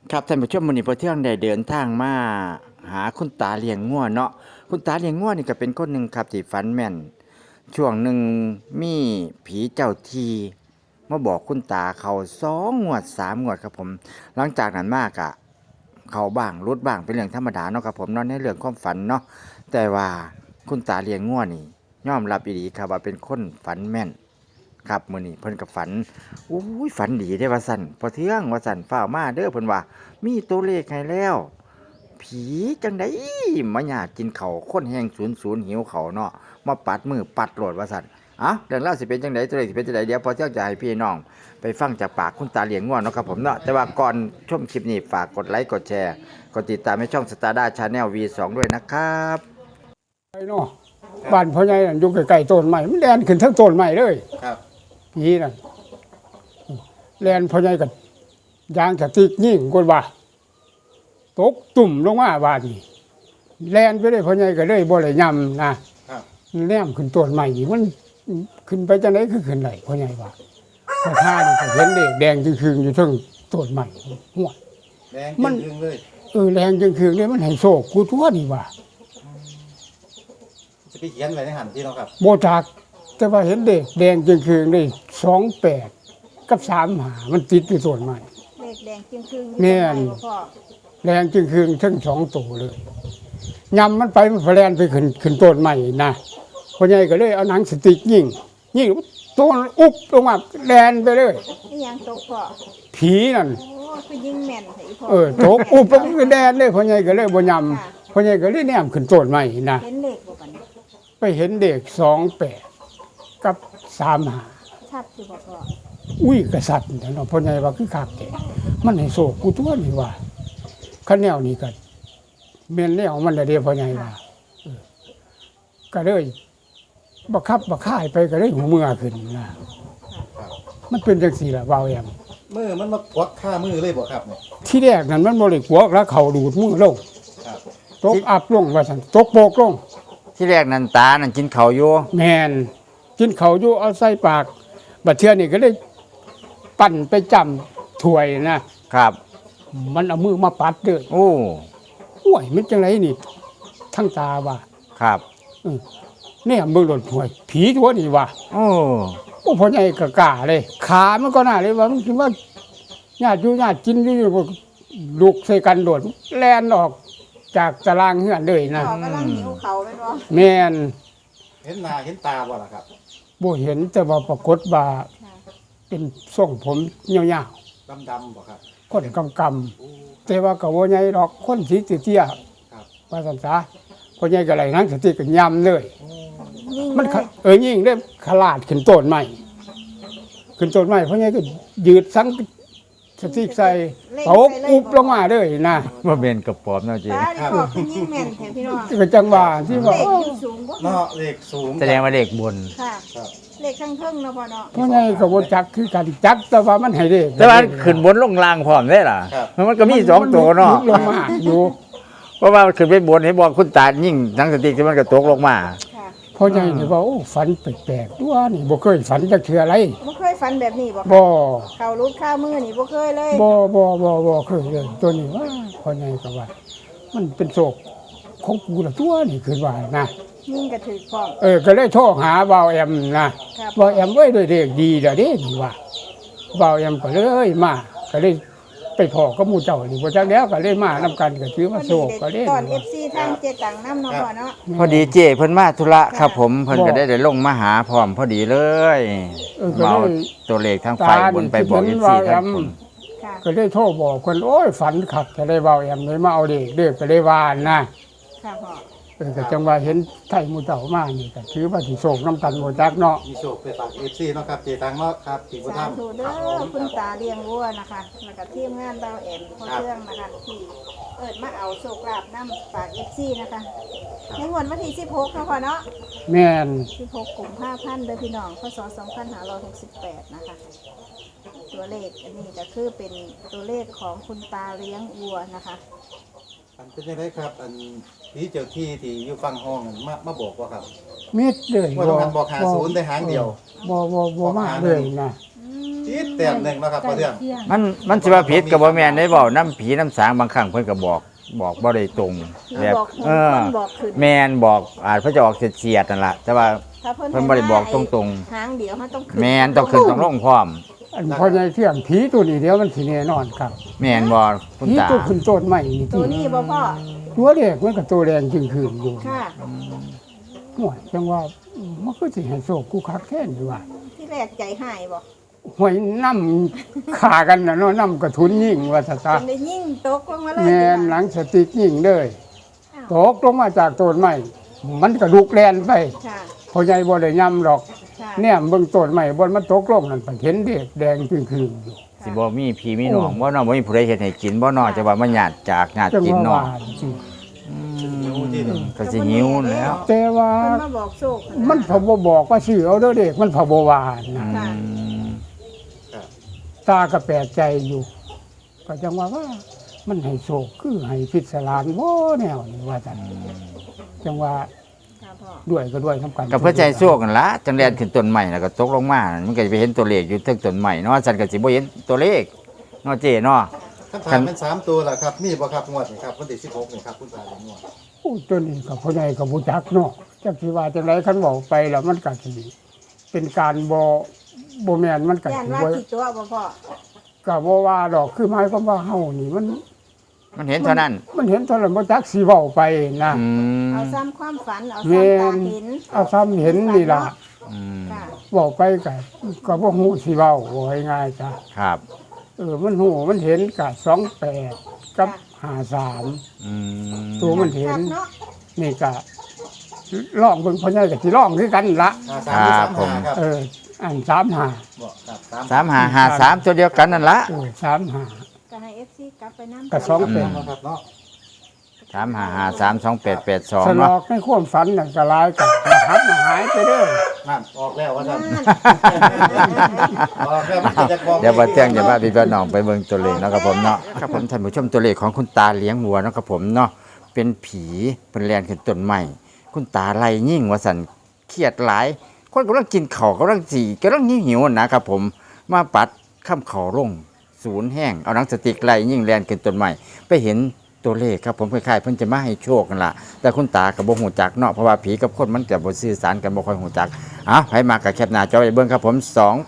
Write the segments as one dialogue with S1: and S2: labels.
S1: ครับท่านผู้ชมมื้อนี้พอเที่ยงได้เดินทางมาหาคุณตาเลี้ยงงัวเนาะคุณตาเลี้ยงงัวนี่ก็เป็นคนหนึ่งครับที่ฝันแม่นช่วงหนึ่งมีผีเจ้าที่มาบอกคุณตาเขา2 งวด 3 งวดครับผมหลังจากนั้นมากะเขาบ้างรุดบ้างเป็นเรื่องธรรมดาเนาะครับผมเนาะในเรื่องความฝันเนาะแต่ว่าคุณตาเลี้ยงงัวนี่ยอมรับอีหลีครับว่าเป็นคนฝันแม่นครับมื้อนี้เพิ่นก็ฝันอุ้ยฝันดีเด้ว่าซั่นพอเที่ยงว่าซั่นฟ้าวมาเด้อเพิ่นว่า มีตัวเลขให้แล้ว ผีจังไดมาอยากกินเขาวคนแห่ง00หิวเขาวเนาะมาปัดมือปัดโลดว่าซั่นเรื่องราวสิเป็นจังไดตัวเลขสิเป็นจังไดเดี๋ยวพอเที่ยงจะให้พี่น้องไปฟังจากปากคุณตาเลี้ยงง่วนเนาะครับผมเนาะแต่ว่าก่อนชมคลิปนี้ฝากกดไลค์กดแชร์กดติดตามให้ช่อง Stardust Channel V2 ด้วยนะครับ
S2: ไอ้เนาะบ้านพ่อใหญ่นั่นอยู่ใกล้ๆต้นไม้มันแล่นขึ้นทั้งต้นไม้เลย
S1: ครับ
S2: ผีนั่นแล่นพ่อใหญ่กันยางสติ๊กยิงกดว่าตกตุ่มลงมาบาดนี้แล่นไปเลยพ่อใหญ่ก็เลยบ่ได้ย่ำนะครับแนมขึ้นต้นไม้นี่มันขึ้นไปจังได๋คือขึ้นได้พ่อใหญ่ว่าพอท่านี่ก็เห็นเด็กแดงจึงๆอยู่เทั้งต้นไม้หัว
S1: แดงมันเลย
S2: แรงจึงๆนี่มันให้โชคกูทั่วนี่ว่า
S1: จะไปเขียนไว้ในหันที่เนาะครับ
S2: โบจากแต่ว่าเห็นเด็กแดงจึงคืนได้28กับ35มันติดอยู่ส่วนใหม่
S3: เด็กแดงจึงคืน
S2: แม่นแดงจึงคืนทั้ง2ตัวเลยยำมันไปมันแลนไปขึ้นต้นใหม่นะพ่อใหญ่ก็เลยเอาหนังสติ๊กยิงตัวอุบลงมาแลนไปเลย
S3: นี่ยังตกพ่อ
S2: ผีนั่น
S3: โอ้คือยิงแม่นไผพ่
S2: อตกอุบแล้วก็แดนเลยพ่อใหญ่ก็เลยบ่ยำพ่อใหญ่ก็เลยแนมขึ้นต้นใหม่นะ
S3: เห็นเลขบ่กัน
S2: ไปเห็นเด็ก28กับ35
S3: ชัดอยู่บ่พ่อ
S2: อุ้ยกษัตริย์เนาะพ่อใหญ่ว่าคือคักแท้มันให้โศกกูตัวนี่ว่าคันแนวนี้ก็แม่นแนวมันเด้พ่อใหญ่ว่าก็เลยบักคับบักค่ายไปก็เลยหูเมื่อขึ้นนะมันเป็นจังซี่ล่ะเว้าแอม
S1: มือมันมากวักค่ามือเลยบ่ครับเนี่ย
S2: ที่แรกนั้นมันบ่ได้กวกแล้วเขาดูดมือลง
S1: ครับ
S2: ตกอับลงว่าซั่นตกโปกลง
S1: ที่แรกนั้นตานั่นกินข้าวอยู่
S2: แม่นกินข้าวอยู่เอาใส่ปากบัดเทื่อนี่ก็เลยปั่นไปจำถ้วยนะครับมันเอามือมาปัดเด้อ
S1: โอ้
S2: ห่วยมันจังไรนี่ทั้งตาว่า
S1: ครับ
S2: เนี่ยมือหล่นห่วยผีตัวนี่ว่า
S1: โอ้
S2: พ่อใหญ่ก็กล้าเลยขามันก็น่าเลยว่ามันคิดว่าญาติอยู่ญาติกินอยู่ลูกใส่กันโดดแล่นออกจากตารางเฮือนเลยนะ
S3: กำลังหิวเขาแม่นบ่
S2: แม่น
S1: เห็นหน้าเห็นตาบ่ล่ะครับ
S2: บ่เห็นแต่ว่าปรากฏว่าเป็นทรงผมยาว
S1: ๆดำๆบ่ครับ
S2: คนกำๆแต่ว่าก็บ่ใหญ่ดอกคนสีเตี้ย
S1: ครับ
S2: ว่าซั่นซะพ่อใหญ่ก็ไหลนั่งสติก็ยำเลยมันยิ่งได้ขลาดขึ้นต้นใหม่ขึ้นต้นใหม่พ่อใหญ่ก็ยืดสังสติใส่ตกอุบลงมาเลยนะ
S1: ว่าเป็นกระป๋อมเนาะจี
S3: ครับยิงแม่นแท้พี่น้อง
S2: ก็จังหวะที่ว่า
S3: เลขสูงบ่
S1: เนาะเลขสูงแสดงว่าเลขบน
S3: ค่ะครับเลขข้างเทิงเนาะพ่อเนาะ
S2: พ่อใหญ่ก็บ่จักคือกันจักแต่ว่ามันให้เลข
S1: แต่ว่าขึ้นบนลงล่างพร้อมได้ล่ะมันก็มี2ตัวเนาะ
S2: ลงมาอยู่
S1: เพราะว่าขึ้นไปบนให้บอกคุณตายิ่งหนังสติกที่มันก็ตกลงมา
S2: พ่อใหญ่นี่ว่าโอ้ฝันแปลกๆตัวนี่บ่เคยฝันจักเทื่ออะไร
S3: บ่เคยฝันแบบนี้บ่
S2: บ่
S3: เขารุดข้ามือนี่บ่เคยเลย
S2: บ่เคยเลยตัวนี้ว่าพ่อใหญ่ก็ว่ามันเป็นโศกของกูละตัวนี่คือว่านะ
S3: ยิ่งกระถือพร้อม
S2: ก็เลยโทรหาบ่าวแอมนะบ่าวแอมเอ้ยด้วยเด็กดีล่ะเด้นี่ว่าบ่าวแอมก็เลยมาก็เลยไปพอกับหมู่เจ้านี่บ่จักแล้วก็เลยมานำกันก็ถือว่าโศกก็เลย
S3: ตอน FC ทางเจตังนำเนาะพ่อเนาะ
S1: พอดีเจ้เพิ่นมาธุระครับผมเพิ่นก็ได้ลงมาหาพร้อมพอดีเลยเมาตัวเลขทางฝ่ายบนไปบอก FC ทั้งคน
S2: ก็เลยโทรบอกเพิ่นโอ้ยฝันคักก็เลยบ่าวแอมเลยมาเอาเด็กก็เลยว่านะ
S3: ค่ะพ่อ
S2: ก็จังว่าเห็นไทยหมู่เจ้ามานี่ก็ถือว่าสิโศกน้ำกันบ่จักเนาะ
S1: มีโศกไปฝาก FC เนาะครับเจตังเนาะครับที่บ่ทำ
S3: สาธุเด้อคุณตาเลี้ยงวัวนะคะแล้วก็ทีมงานบ่าวแอมพ่อเรื่องนะคะที่มาเอาโชคลาภนำฝาก FC นะคะในงวดวันที่16เนาะพ่อเนาะ
S2: แม่น
S3: 16กุมภาพันธ์เด้อพี่น้องพศ2568นะคะตัวเลขอันนี้ก็คือเป็นตัวเลขของคุณตาเลี้ยงวัวนะคะ
S1: เป็นยังไงครับอันที่เจ้าที่อยู่ฟังห้องมาบอกว่าครับ
S2: มิดเลย
S1: ว่าต้องการบอก50ได้หางเดียว
S2: บ่มาเลยนะ
S1: ที่
S4: แต้มหนึงเนาะครับพ่อเทือง
S1: มันสิว่าผิดก็บ่แม่นได้เว้าน้ำผีน้ำสางบางครั้งเพิ่นก็บอกบ่ได้ตรงแบบ
S3: บอกคนบอกขึ้น
S1: แม่นบอกอาจเพิ่นจะออกเฉียดๆนั่นล่ะแต่ว่า
S3: ถ้า
S1: เพิ่นบ่ได้บอกตรง
S3: หางเดียวมันต้องขึ้น
S1: แม่นต้องขึ้นต้องลงพร้อม
S2: อันพ่อใหญ่เที่ยงผีตัวนี้เดียวมันสิแน่นอนครับ
S1: แม่นบ่คุณ
S2: ผี
S1: ตา
S2: ตัวขึ้นต้นใหม่นี่
S3: ตัวนี้บ่พ่อ
S2: ตัวเด็กมันก็ตัวแดงจึงคืนอยู่
S3: ค่ะ
S2: ห่วยจังว่ามันก็สิให้โศกกูคักแท้นี่ว่า
S3: ที่แรกใจหายบ่
S2: ห่วยน้ำขากันน่ะเนาะน้ำกระทุนยิ่งว่าซะ
S3: จนได้ยิ่งตกลงมาเลย
S2: แม่นหลังสติกยิ่งเลยตกลงมาจากต้นใหม่มันก็ลุกแล่นไป
S3: ค่ะ
S2: พ่อใหญ่บ่ได้ย่ำหรอก
S3: ค่ะ
S2: เนี่ยเบิ่งต้นใหม่บนมันตกลงนั่นเพิ่นเห็นเด็กแดงจึงคืนอยู่
S1: สิบ่มีพี่มีน้องบ่เนาะบ่มีผู้ใดเฮ็ดให้กินบ่เนาะจะว่ามันญาติจากญาติ
S2: จัง
S1: กิน
S2: ว่า
S1: เนาะ
S2: ว่าจริง
S1: ก็สิหิวแล้ว
S2: แต่ว่า
S3: เพิ่นมาบอกโชค
S2: มันพอบ่บอกว่าชื่อเอาเด้อเด็กมันพอบ่ว่านะ
S1: อืม
S2: ตาก็แปลกใจอยู่ ก็จังว่ามันให้โศกคือให้พิศารานบ่แนวนี่ว่าซั่นจังว่า
S3: ค่ะพ่อ
S2: ด้วยก็ด้วยนํกัน
S1: ก็เพื่อใจโชคกันละจังแลนขึ้นต้นใหม่แล้วก็ตกลงมามันก็จะไปเห็นตัวเลขอยู่เทึงต้นใหม่เนาะฉันก็สิบ่เห็นตัวเลขเนาะเจเนาะ
S4: คำถามเป็น3ตัวล่ะครับมีบ่ครับงวดนี่ครับวันที่16นี่ครับคุณตาเป็นงวด
S2: โอ้ตัวนี้ก็พ่อใหญ่ก็บ่จักเนาะจักสิว่าจังไดคันเว้าไปแล้วมันก็สิเป็นการบ่แม่นมันก็
S3: ย่าน
S2: สิ
S3: ว่า
S2: บ่
S3: กี่ตัวบ่พ่อ
S2: ก็บ่ว่าดอกคือหมายความว่าเฮานี่
S1: มันเห็นเท่านั้น
S2: มันเห็นเท่านั้นบ่จักสิเว้าไปนะ
S1: อืม
S3: เอาซ้ำความฝันเอา
S2: แม่
S3: ซ้ำตาน เห็น
S2: เอาซ้ำเห็นนี่ล่ะ
S1: อืม
S3: ค่ะ
S2: เว้าไปก็บ่ฮู้สิเว้าว่าง่ายๆจ้ะ
S1: ครับ
S2: มันฮู้มันเห็นก็28กับ53
S1: อืม
S2: ตัวมันเห็น
S3: ครับเนาะ
S2: นี่ก็ลองเบิ่งพ่อใหญ่ก็สิลองคือกันละ
S4: 53 35ครับ
S2: อัน35
S4: บ่ครับ
S1: 3553ตัวเดียวกันนั่นละ
S2: 35
S3: ก็ให้ FC กลับไปนำ
S2: ก็สอง
S4: 35ครับเนาะ
S1: 35532882
S2: สล
S1: เนาะ
S2: อกในความฝันนั่นก็หลายกันหัดน่ะหายไปเด้อ
S4: นั่นออกแล้วว่าซั่น
S3: นั่น
S4: ออกแล้วมันก็จะบอก
S1: เดี๋ยวบ่เที่ยงเดี๋ยวว่าพี่น้องไปเบิ่งตัวเลขเนาะครับผมเนาะครับผมท่านผู้ชมตัวเลขของคุณตาเลี้ยงวัวเนาะครับผมเนาะเป็นผีเป็นแลนขึ้นต้นใหม่คุณตาไล่ยิ่งว่าสั่นเครียดหลายคนกำลังกินข้าวกำลังกำลังหิวๆนะครับผมมาปัดข้ามข้าวลงศูนย์แห้งเอาหนังสติ๊กไล่ยิ่งแลนขึ้นต้นใหม่ไปเห็นตัวเลขครับผมคล้ายๆเพิ่นจะมาให้โชคกันล่ะแต่คุณตาก็บ่ฮู้จักเนาะเพราะว่าผีกับคนมันจะบ่สื่อสารกันบ่ค่อยฮู้จักไผมากับแคปหน้าจอไว้เบิ่งครับผม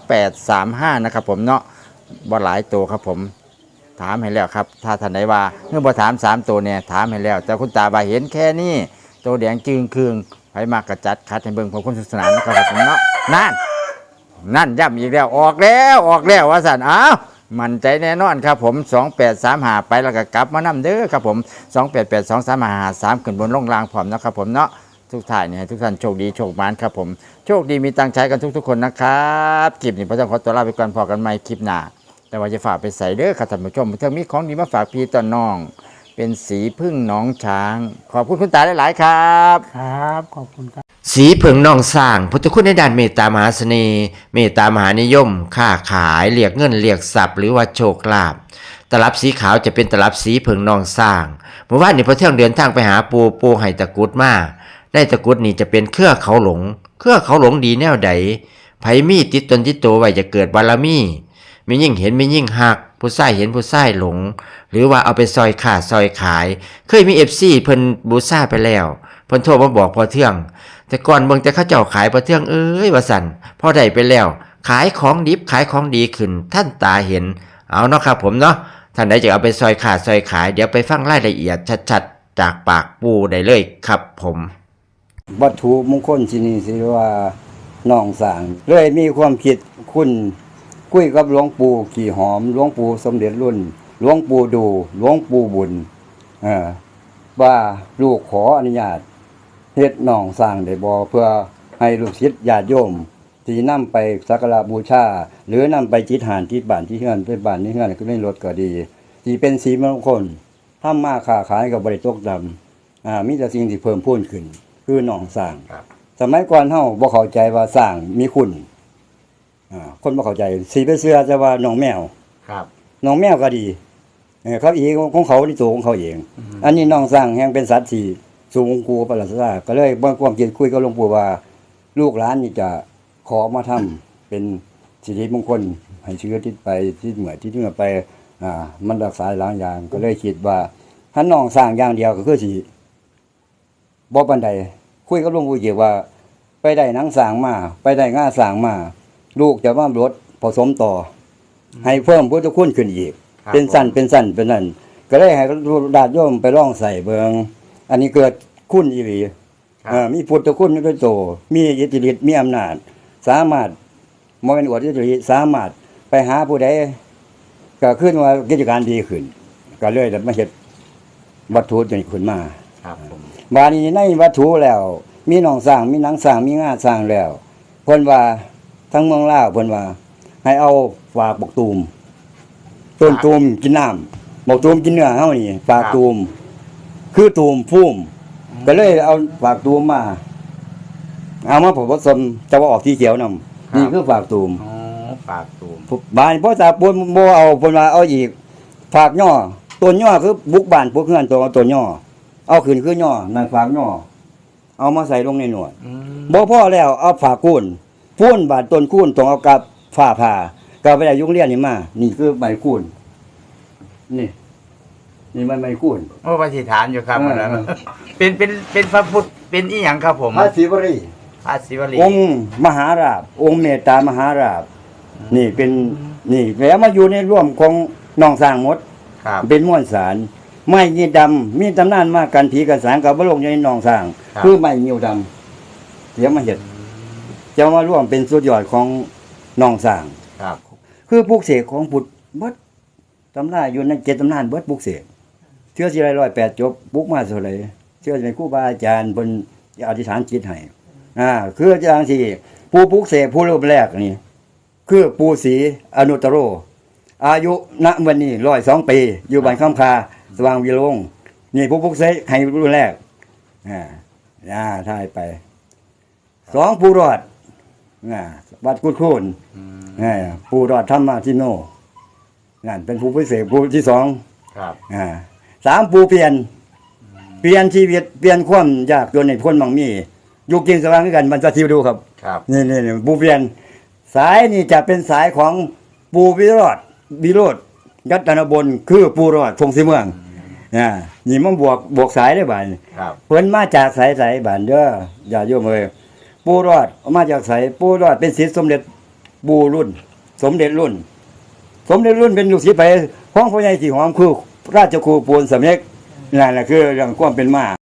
S1: 2835นะครับผมเนาะบ่หลายตัวครับผม ถามให้แล้วครับ ถ้าท่านใดว่าเมื่อบ่ถาม3ตัวเนี่ยถามให้แล้ว แต่คุณตาบ่าเห็นแค่นี้ตัวแดงจึงคืงไผมากระจัดคัดให้เบิ่งผมคนสนุกสนานนะครับผมเนาะนั่นย้ำอีกแล้วออกแล้วว่าสั่นอ้าวมั่นใจแน่นอนครับผม2835ไปแล้วก็กลับมานํเด้อครับผม28823553ขึ้นบนลงล่างพร้อมนะครับผมเนาะทุกท่านเนี่ยทุกท่านโชคดีโชคหมานครับผมโชคดีมีตังค์ใช้กันทุกๆคนนะครับคลิปนี้พระเจ้าขอตัวลาไปก่อนพอกันใหม่คลิปหน้า แต่ว่าจะฝากไปใส่เด้อค่ะท่านผู้ชมเพิ่งมีของดีมาฝากพี่ต่อน้อง เป็นสีพึ่งน้องช้าง ขอบคุณคุณตาหลายๆครับ
S2: ครับขอบคุณครับ
S5: สีเผิงนองสร้างพุทธคุณในด้านเมตตามหาเสน่ห์เมตตามหานิยม ค้าขายเรียกเงินเรียกทรัพย์หรือว่าโชคลาภตลับสีขาวจะเป็นตลับสีเผิงนองสร้างเมื่อวานนี้พอเที่ยงเดินทางไปหาปูไห้ตะกรุดมาได้ตะกรุดนี่จะเป็นเครือเขาหลงดีแนวใดไผมีติดตนติดตัวไว้จะเกิดบารมีมียิ่งเห็นมียิ่งหักผู้ชายเห็นผู้ชายหลง หรือว่าเอาไปซอยขาดซอยขายเคยมี FC เพิ่นบูซ่าไปแล้วเพิ่นโทรมาบอกพอเที่ยงแต่ก่อนเบิ่งแต่เขาเจ้าขายพอเที่ยงว่าสั่นพอได้ไปแล้ว ขายของดิบขายของดีขึ้นท่านตาเห็นเอาเนาะครับผมเนาะท่านใดจะเอาไปซอยขาดซอยขายเดี๋ยวไปฟังรายละเอียดชัดๆจากปากปูได้เลยครับผม
S6: วัตถุมงคลที่นี่สิว่าน้องสางเลยมีความคิดคุณคุยกับหลวงปู่ขี่หอมหลวงปู่สมเด็จรุ่นหลวงปู่ดูหลวงปู่บุญว่าลูกขออนุญาตเฮ็ดน้องสร้างได้บ่เพื่อให้ลูกศิษย์ญาติโยมที่นำไปสักการะบูชาหรือนำไปจิตหานที่บ้านที่เฮือนไปบ้านที่เฮือนก็ได้รถก็ดีที่เป็นสีมงคลทำมาค้าขายก็บ่ได้ตกดำมีแต่สิ่งที่เพิ่มพูนขึ้นคือน้องสร้างสมัยก่อนเฮาบ่เข้าใจว่าสร้างมีคุณคนบ่เข้าใจสีไปเสื้อจะว่าน้องแมว
S1: ครับ
S6: น้องแมวก็ดีเขาเองของเขาในตัวของเขาเองอันนี้น้องสร้างแห่งเป็นสัตว์ที่สูงกูประหลาดซาก็เลยบ่ความคิดคุยกับหลวงปู่ว่าลูกหลานนี่จะขอมาทำเป็นสิริมงคลให้เชื้อติดไปที่เหมือที่เหงื่อไปมันรักษาหลายอย่างก็เลยคิดว่าถ้าน้องสร้างอย่างเดียวก็คือสิบ่ปานใดคุยกับหลวงปู่เกี่ยวว่า ไปได้หนังสร้างมาไปได้งาสร้างมาลูกจะมาลดผสมต่อ ให้เพิ่มพุทธคุณขึ้นอีก
S1: ครับ
S6: เป็นสั้นเป็นนั่นก็เลยให้ญาติโยมไปลองใส่เบิงอันนี้เกิดคุณอีหลีมีพุทธคุณด้วยโตมีอิทธิฤทธิ์มีอำนาจสามารถบ่เป็นอวดอิทธิฤทธิ์สามารถไปหาผู้ใดก็ขึ้นว่ากิจการดีขึ้นก็เลยมาเฮ็ดวัตถุตัวนี้ขึ้นมา
S1: ครับผม
S6: บาดนี้ในวัตถุแล้ว มีหนองสร้างมีหนังสร้างมีงาสร้างแล้วเพิ่นว่าทั้งเมืองลาวเพิ่นว่า ให้เอาฝากบักตูมต้นตูมกินน้ำบักตูมกินเนื้อเฮานี่ฝากตูมคือตูมพุ่มก็เลยเอาฝากตูมมาเอามาผสมจะว่าออกสีเขียวนำนี่คือฝากตูม
S1: อ๋อฝากตูม
S6: บ้านพ่อตาปูนบ่เอาเพิ่นว่าเอาอีกฝากย่อต้นย่อคือบุกบ้านพวกเฮือนตัวเอาต้นย่อเอาขึ้นคือย่อนั่นฝากย่อเอามาใส่ลงในหนวดบ่พอแล้วเอาฝากกูนพูนบาดต้นคูนต้องเอากับฝ้าผ่าก็ไปได้ยุงเรียนนี่มานี่คือใบคูนนี่มันใบคูน
S1: โอ้ปฏิฐานอยู่ครับ
S6: เออ
S1: อันนั้นเป็นพระพุทธเป็นอีหยังครับผม
S6: พระศิวรี
S1: พระศิวลี
S6: องค์มหาราชองค์เมตตามหาราชนี่เป็นนี่แล้วมาอยู่ในร่วมของน้องสร้างหมด
S1: ครับ
S6: เป็นม้วนสารไม้ยีดำมีตำนานมากันผีกันสางกับบลงอยู่ในหนองสร้าง
S1: ครับ
S6: คือไม้ยิวดำเดี๋ยวมาเห็ดจะมาร่วมเป็นสุดยอดของหนองสร้าง
S1: ครับ
S6: คือปลูกเสกของบุตรเบิดตำนานอยู่ใน7ตำนานเบิดปลูกเสกเชื่อสิ108จบปลูกมาเท่าไหร่เชื่อเป็นครูบาอาจารย์เพิ่นอธิษฐานจิตให้คืออย่างที่ผู้ปลูกเสกผู้รูปแรกนี่คือปู่ศรีอนุตตโร อายุณวันนี้102 ปีอยู่บ้านคำคาสว่างวิโรงนี่ผู้พุกเสกให้รุ่นแรกถ่ายไป2ผู้รอดวัดกุดโคนผู้รอดธรรมทิโนนั่นเป็นผู้พิเศษผู้ที่2
S1: ครับ
S6: 3ผู้เปลี่ยนชีวิตเปลี่ยนความยากจนในคนบางมีอยู่กินสว่างด้วยกันมันจะทิวดูครับ
S1: ครับ
S6: นี่ผู้เปลี่ยนสายนี่จะเป็นสายของปูวิโรธยัตนบลคือปูรอดทงสีเมืองนี่มันบวกสายได้บ่าย
S1: ครับ
S6: เพิ่นมาจากสายบ้านเด้ออย่าโยมเอ้ยปูรอดมาจากสายปูรอดเป็นศิษย์สมเด็จปู่รุ่น สมเด็จรุ่นเป็นลูกศิษย์ไปของพ่อใหญ่สีหอมคือราชครูปูนสำเร็จนั่นแหละคือเรื่องความเป็นมา